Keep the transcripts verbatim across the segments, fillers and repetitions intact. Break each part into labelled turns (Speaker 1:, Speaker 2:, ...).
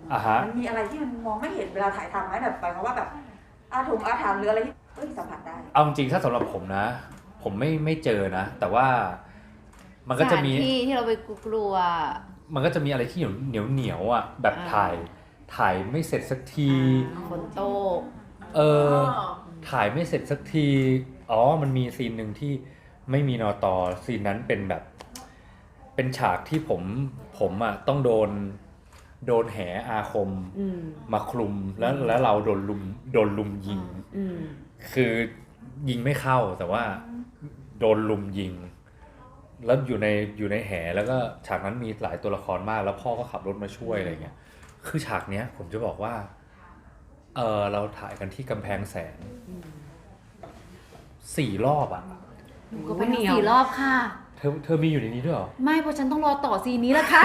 Speaker 1: อ่าฮะ
Speaker 2: มันมีอะไรที่มันมองไม่เห็นเวลาถ่ายทำไหมแบบหมายความว่าแบบอาถงอาถรรพ์หรืออะไรที่เอ้ยสัมผัสได้
Speaker 1: เอาจริงๆถ้าสำหรับผมนะ ผมไม่ไม่เจอนะ แต่ว่ามันก็จะมี
Speaker 3: ที่ที่เราไปกลัว
Speaker 1: มันก็จะมีอะไรที่เหนียวเหนียวเหนียวอ่ะแบบถ่ายถ่ายไม่เสร็จสักที
Speaker 3: ฝนตก
Speaker 1: เออถ่ายไม่เสร็จสักทีอ๋อมันมีซีนหนึ่งที่ไม่มีนอตอซีนนั้นเป็นแบบเป็นฉากที่ผมผมอ่ะต้องโดนโดนแหอาคมมาคลุมแล้วแล้วเราโดนลุมโดนลุมยิงคือยิงไม่เข้าแต่ว่าโดนลุมยิงแล้วอยู่ในอยู่ในแหแล้วก็ฉากนั้นมีหลายตัวละครมากแล้วพ่อก็ขับรถมาช่วยอะไรเงี้ยคือฉากเนี้ยผมจะบอกว่าเออเราถ่ายกันที่กำแพงแสนสี่รอบอ่ะ
Speaker 3: ก็เป็นสี่รอบค่ะ
Speaker 1: เธอเธอมีอยู่ในนี้ด้วยเหรอ
Speaker 3: ไม่เพราะฉันต้องรอต่อซีนนี้แหละค่ะ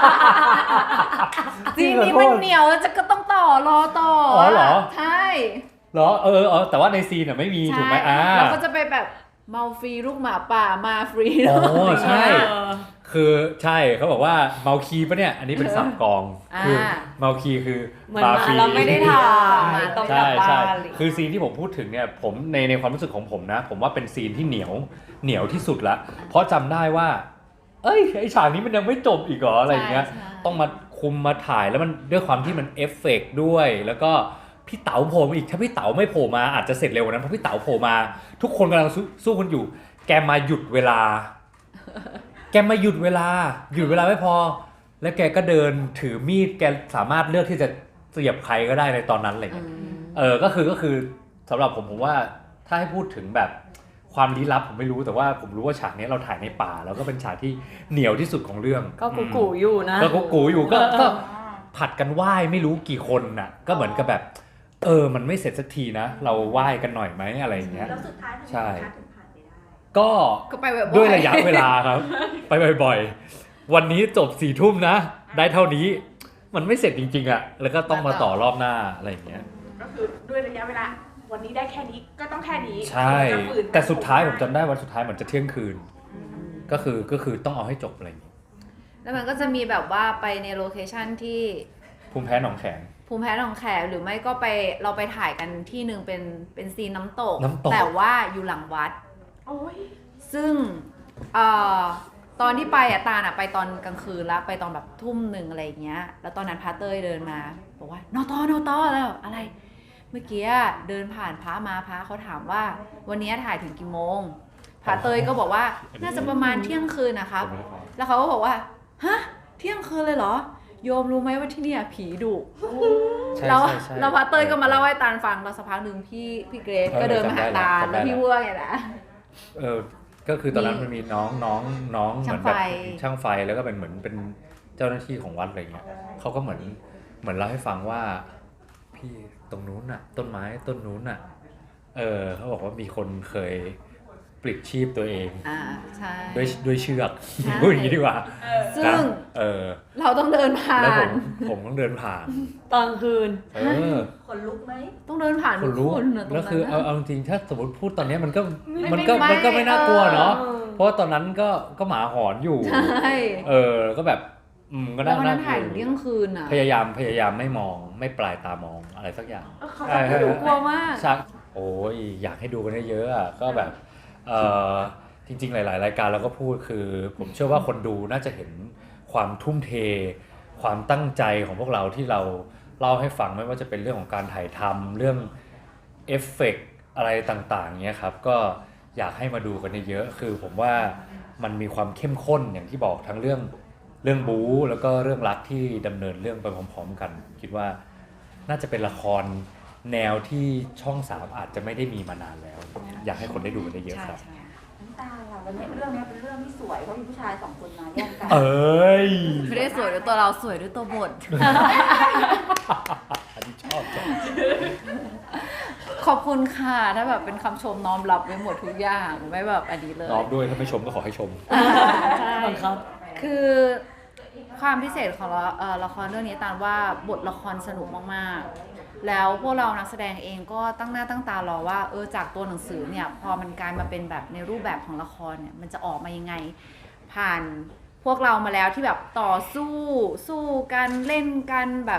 Speaker 3: ซีนนี้มันเหนียวจะก็ต้องต่อรอต่อ
Speaker 1: อ๋อเหรอ
Speaker 3: ใช่
Speaker 1: เหรอเออเออแต่ว่าในซีนอ่ะไม่มีถูกไหมอ่า
Speaker 3: เราก็จะไปแบบเมาฟรีลูกหมาป่ามาฟรี
Speaker 1: อ๋อใช่คือใช่เขาบอกว่าเมาคีปะเนี่ยอันนี้เป็นสับกองคือเมาคีคือ
Speaker 4: ปาฟรีเราไม่ได้ท
Speaker 1: ำต้องกลับบ้านคือซีนที่ผมพูดถึงเนี่ยผมในในความรู้สึกของผมนะผมว่าเป็นซีนที่เหนียวเหนียวที่สุดละเพราะจำได้ว่าเอ้ยไอฉากนี้มันยังไม่จบอีกเหรออะไรอย่างเงี้ยต้องมาคุมมาถ่ายแล้วมันด้วยความที่มันเอฟเฟกต์ด้วยแล้วก็พี่เต๋าโผล่มาอีกถ้าพี่เต๋าไม่โผล่มาอาจจะเสร็จเร็วกว่านั้นเพราะพี่เต๋าโผล่มาทุกคนกำลังสู้กันอยู่แกมาหยุดเวลาแกมาหยุดเวลาหยุดเวลาไม่พอแล้วแกก็เดินถือมีดแกสามารถเลือกที่จะเสียบใครก็ได้ในตอนนั้นอะไรเงี้ยเออก็คือก็คือสำหรับผมผมว่าถ้าให้พูดถึงแบบความลี้ลับผมไม่รู้แต่ว่าผมรู้ว่าฉากนี้เราถ่ายในป่าแล้วก็เป็นฉากที่เหนียวที่สุดของเรื่อง
Speaker 4: ก็กูกูอยู่นะ
Speaker 1: ก็กูกูอยู่ก็ก็ผัดกันไหว้ไม่รู้กี่คนน่ะก็เหมือนกับแบบเออมันไม่เสร็จสักทีนะเราไหว้กันหน่อยไหมอะไรอย่างเงี้ย
Speaker 2: แล้วสุดท้าย
Speaker 1: ใช่
Speaker 2: ก็
Speaker 1: ด้วยระยะเวลาครับไปบ่อยๆวันนี้จบสี่ทุ่มนะได้เท่านี้มันไม่เสร็จจริงๆอ่ะแล้วก็ต้องมาต่อรอบหน้าอะไรอย่างเงี้ย
Speaker 2: ก็คือด้วยระยะเวลาวันนี้ได้แค่นี้ก็ต้องแค่นี้
Speaker 1: ใช่แต่สุดท้ายผมจำได้วันสุดท้ายเหมือนจะเที่ยงคืนก็คือก็คือต้องเอาให้จบอะไรอย่างเงี้ย
Speaker 3: แล้วมันก็จะมีแบบว่าไปในโลเคชั่นที่
Speaker 1: ภูมิแพ้หนองแขม
Speaker 3: ภูมิแพ้หนองแขมหรือไม่ก็ไปเราไปถ่ายกันที่นึงเป็นเป็นซีนน้ำตกแต่ว่าอยู่หลังวัดซึ่งเอ่อตอนที่ไปอ่ะตาลอ่ะไปตอนกลางคืนแล้วไปตอนแบบทุ่มหนึ่งอะไรอย่างเงี้ยแล้วตอนนั้นพระเต้ยเดินมาบอกว่านอตอนอตอแล้วอะไรเมื่อกี้เดินผ่านพระมาพระเขาถามว่าวันนี้ถ่ายถึงกี่โมงพระเต้ยก็บอกว่าน่าจะประมาณเที่ยงคืนนะครับแล้วเขาก็บอกว่าฮะเที่ยงคืนเลยเหรอโยมรู้ไหมว่าที่นี่ผีดุแล้วแล้วพระเต้ยก็มาเล่าให้ตาลฟังแล้วสักพักหนึ่งพี่พี่เกรซก็เดินมาหาตาลแล้วพี่วัวไงนะ
Speaker 1: เออก็คือตอนนั้นมันมีน้องน้องน้องเหมือนแบบช่างไฟแล้วก็เป็นเหมือนเป็นเจ้าหน้าที่ของวัดอะไรเงี้ยเขาก็เหมือนเหมือนเล่าให้ฟังว่าพี่ตรงนู้นน่ะต้นไม้ต้นนู้นน่ะเออเขาบอกว่ามีคนเคยปลิดชีพตัวเอง
Speaker 3: อ่าใช่
Speaker 1: ด้วยด้วยเชือกพูดอย่างนี้ดีกว่า
Speaker 3: ซึ่ง
Speaker 1: เออ
Speaker 3: เราต้องเดินผ่าน
Speaker 1: แล้วผมผมต้องเดินผ่าน
Speaker 4: ตอนคืน
Speaker 1: เออ
Speaker 2: ขนลุกไหม
Speaker 3: ต้องเดินผ่าน
Speaker 1: คนลุกแล้วคือเอาเอาจริงถ้าสมมติพูดตอนนี้มันก็มันก็มันก็ไม่น่ากลัวเนาะเพราะตอนนั้นก็ก็หมาหอนอยู่
Speaker 3: ใช่
Speaker 1: เออก็แบบอืมก็น่า
Speaker 3: น่าถ่ายเที่ยงคืนอ่ะ
Speaker 1: พยายามพยายามไม่มองไม่ปลายตามองอะไรสักอย่าง
Speaker 3: ใช่กลัวมาก
Speaker 1: โอ้ยอยากให้ดูกันเยอะๆอ่ะก็แบบเออจริงๆหลายๆรายการเราก็พูดคือผมเชื่อว่าคนดูน่าจะเห็นความทุ่มเทความตั้งใจของพวกเราที่เราเล่าให้ฟังไม่ว่าจะเป็นเรื่องของการถ่ายทำเรื่องเอฟเฟกต์อะไรต่างๆเงี้ยครับก็อยากให้มาดูกันเยอะๆคือผมว่ามันมีความเข้มข้นอย่างที่บอกทั้งเรื่องเรื่องบู๊แล้วก็เรื่องรักที่ดำเนินเรื่องไปพร้อมๆกันคิดว่าน่าจะเป็นละครแนวที่ช่องสามอาจจะไม่ได้มีมานานแล้วอยากให้คนได้ดูกันเยอะๆครับ
Speaker 2: น้ำตาเราวันนี้เรื่องนี้เป็นเรื่องที่สวยเพราะมีผู้ชายสองคนมาแย่งกัน
Speaker 1: เอ้ย
Speaker 3: ไม่ได้สวยด้วยตัวเราสวยด้วยตัวบท
Speaker 1: อันนี้ชอบจัง
Speaker 3: ขอบคุณค่ะถ้าแบบเป็นคำชมน้อมรับไว้หมดทุกอย่างไม่แบบอันนี้เลย
Speaker 1: น้อมด้วยถ้าไม่ชมก็ขอให้ชม
Speaker 3: ใช่ครับคือความพิเศษของละครเรื่องนี้ตามว่าบทละครสนุกมากๆแล้วพวกเรานักแสดงเองก็ตั้งหน้าตั้งตารอว่าเออจากตัวหนังสือเนี่ยพอมันกลายมาเป็นแบบในรูปแบบของละครเนี่ยมันจะออกมายังไงผ่านพวกเรามาแล้วที่แบบต่อสู้สู้กันเล่นกันแบบ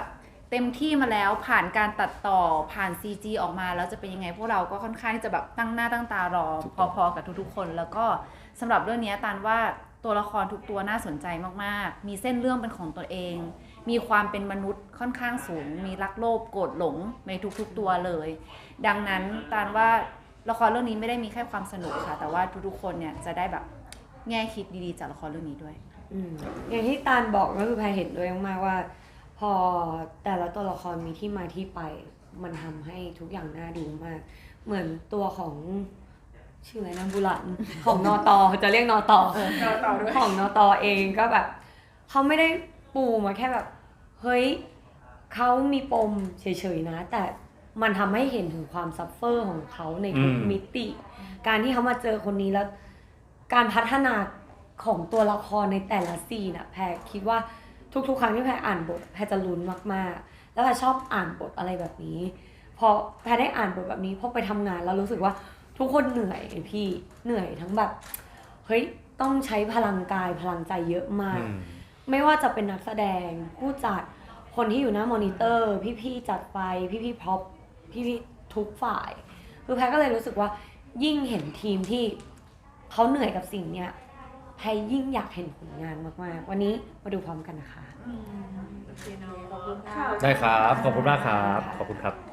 Speaker 3: เต็มที่มาแล้วผ่านการตัดต่อผ่าน ซี จี ออกมาแล้วจะเป็นยังไงพวกเราก็ค่อนข้างที่จะแบบตั้งหน้าตั้งตารอพอๆกับทุกๆคนแล้วก็สำหรับเรื่องนี้ตานว่าตัวละครทุกตัวน่าสนใจมากๆมีเส้นเรื่องเป็นของตัวเองมีความเป็นมนุษย์ค่อนข้างสูงมีรักโลภโกรธหลงในทุกๆตัวเลยดังนั้นตานว่าละครเรื่องนี้ไม่ได้มีแค่ความสนุกค่ะแต่ว่าทุกๆคนเนี่ยจะได้แบบแง่คิดดีๆจากละครเรื่องนี้ด้วย
Speaker 4: อืมอย่างที่ตาลบอกก็คือแพรเห็นด้วยมากๆว่าพอแต่ละตัวละครมีที่มาที่ไปมันทำให้ทุกอย่างน่าดูมากเหมือนตัวของชื่ออะไรนะบุหลันของนอตอจะเรียกนอตอของนอตอเองก็แบบเขาไม่ได้ปูมาแค่แบบเฮ้ยเขามีปมเฉยๆนะแต่มันทำให้เห็นถึงความซัฟเฟอร์ของเขาในทุกมิติการที่เขามาเจอคนนี้แล้วการพัฒนาของตัวละครในแต่ละซีนอะแพรคิดว่าทุกๆครั้งที่แพรอ่านบทแพรจะลุ้นมากๆแล้วแพรชอบอ่านบทอะไรแบบนี้พอแพรได้อ่านบทแบบนี้พอไปทำงานแล้วรู้สึกว่าทุกคนเหนื่อยพี่เหนื่อยทั้งแบบเฮ้ยต้องใช้พลังกายพลังใจเยอะมากไม่ว่าจะเป็นนักแสดงผู้จัดคนที่อยู่หน้ามอนิเตอร์พี่ๆจัดไฟพี่ๆพร็อพพี่ๆทุกฝ่ายคือแพรก็เลยรู้สึกว่ายิ่งเห็นทีมที่เขาเหนื่อยกับสิ่งเนี้ยแพรยิ่งอยากเห็นผลงานมากๆวันนี้มาดูพร้อมกันนะคะ
Speaker 2: โอเคเนาะขอบคุณค่ะ
Speaker 1: ได้ครับขอบคุณมากครับขอบคุณครับ